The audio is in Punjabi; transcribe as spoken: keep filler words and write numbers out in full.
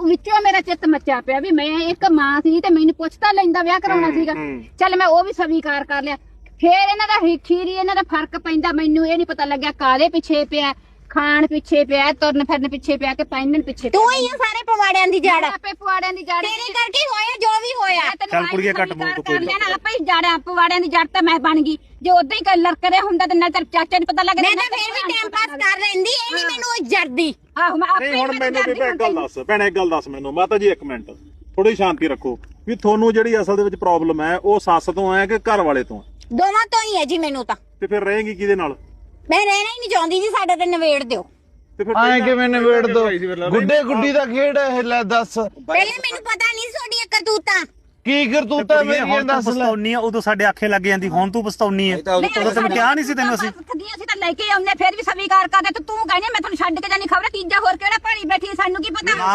ਵਿੱਚੋਂ ਮੇਰਾ ਚਿੱਤ ਮੱਚਿਆ ਪਿਆ ਵੀ ਮੈਂ ਇੱਕ ਮਾਂ ਸੀ ਤੇ ਮੈਨੂੰ ਪੁੱਛ ਤਾਂ ਲੈਂਦਾ ਵਿਆਹ ਕਰਾਉਣਾ ਸੀਗਾ। ਚੱਲ ਮੈਂ ਉਹ ਵੀ ਸਵੀਕਾਰ ਕਰ ਲਿਆ। ਫੇਰ ਇਹਨਾਂ ਦਾ ਖੀਰੀ ਇਹਨਾਂ ਦਾ ਫਰਕ ਪੈਂਦਾ, ਮੈਨੂੰ ਇਹ ਨਹੀਂ ਪਤਾ ਲੱਗਿਆ ਕਾਹਦੇ ਪਿੱਛੇ ਪਿਆ, ਖਾਣ ਪਿੱਛੇ ਪਿਆ, ਤੁਰਨ ਫਿਰਨ ਪਿੱਛੇ ਪਿਆ ਕਿ ਪਹਿਨਣ ਪਿੱਛੇ। ਤੂੰ ਹੀ ਆ ਸਾਰੇ ਪਵਾੜਿਆਂ ਦੀ ਜੜ, ਆਪੇ ਪਵਾੜਿਆਂ ਦੀ ਜੜ ਤੇਰੇ ਕਰਕੇ ਹੋਇਆ ਜੋ ਵੀ ਹੋਇਆ। ਚੱਲ ਕੁੜੀਏ ਘੱਟ ਬੋਲ ਤੂੰ ਕੋਈ ਨਾ, ਆਪੇ ਹੀ ਜੜ ਪਵਾੜਿਆਂ ਦੀ ਜੜ ਤਾਂ ਮੈਂ ਬਣ ਗਈ। ਜੇ ਉਦਾਂ ਹੀ ਲੜਕ ਰਿਹਾ ਹੁੰਦਾ ਤੇ ਨਾ ਤੇਰੇ ਚਾਚੇ ਨੂੰ ਪਤਾ ਲੱਗਦਾ। ਮੈਂ ਤਾਂ ਫੇਰ ਵੀ ਟਾਈਮ ਪਾਸ ਕਰ ਲੈਂਦੀ, ਇਹ ਨਹੀਂ ਮੈਨੂੰ ਜੜਦੀ। ਆਹੋ ਮੈਂ ਆਪੇ ਨਹੀਂ ਹੁਣ ਮੈਨੂੰ ਬੀਬਾ ਇੱਕ ਗੱਲ ਦੱਸ, ਭੈਣੇ ਇੱਕ ਗੱਲ ਦੱਸ ਮੈਨੂੰ, ਮਾਤਾ ਜੀ ਇੱਕ ਮਿੰਟ ਥੋੜੀ ਸ਼ਾਂਤੀ ਰੱਖੋ ਵੀ ਤੁਹਾਨੂੰ ਜਿਹੜੀ ਅਸਲ ਦੇ ਵਿੱਚ ਪ੍ਰੋਬਲਮ ਹੈ ਉਹ ਸੱਸ ਤੋਂ ਹੈ ਕਿ ਘਰ ਵਾਲੇ ਤੋਂ? ਦੋਵਾਂ ਤੋਂ ਹੀ ਹੈ ਜੀ ਮੈਨੂੰ ਤਾਂ। ਤੇ ਫਿਰ ਰਹੇਗੀ ਕਿਹਦੇ ਨਾਲ? ਮੈਂ ਰਹਿਣਾ ਹੀ ਨਹੀਂ ਚਾਹੁੰਦੀ ਜੀ, ਸਾਡੇ ਤੇ ਨਿਬੇੜ ਦਿਓ। ਤੇ ਫਿਰ ਐ ਕਿਵੇਂ ਨਿਬੇੜ ਦੋ? ਗੁੱਡੇ ਗੁੱਡੀ ਦਾ ਖੇਡ ਹੈ ਇਹ, ਲੈ ਦੱਸ। ਪਹਿਲੇ ਮੈਨੂੰ ਪਤਾ ਨਹੀਂ ਤੁਹਾਡੀਆਂ ਕਰਤੂਤਾਂ ਕੀ ਕਰਤੂਤਾ ਮੇਰੀਆਂ ਹੁਣ ਤੂੰ ਦੱਸ ਲੈ। ਪਛਤਾਉਣੀ ਆ, ਉਦੋਂ ਸਾਡੇ ਆਖੇ ਲੱਗ ਜਾਂਦੀ, ਹੁਣ ਤੂੰ ਪਛਤਾਉਣੀ ਆ। ਉਦੋਂ ਤੈਨੂੰ ਕਿਹਾ ਨਹੀਂ ਸੀ ਤੈਨੂੰ ਅਸੀਂ? ਠੱਗੀਆਂ ਸੀ ਤਾਂ ਲੈ ਕੇ ਆਉਂਦੇ, ਫਿਰ ਵੀ ਸਵੀਕਾਰ ਕਰਦੇ ਤੇ ਤੂੰ ਕਹਿੰਦੀ ਮੈਂ ਤੁਹਾਨੂੰ ਛੱਡ ਕੇ ਜਾਣੀ। ਖਬਰ ਤੀਜਾ ਹੋਰ ਕਿਹੜਾ ਭਾੜੀ ਬੈਠੀ, ਸਾਨੂੰ ਕੀ ਪਤਾ।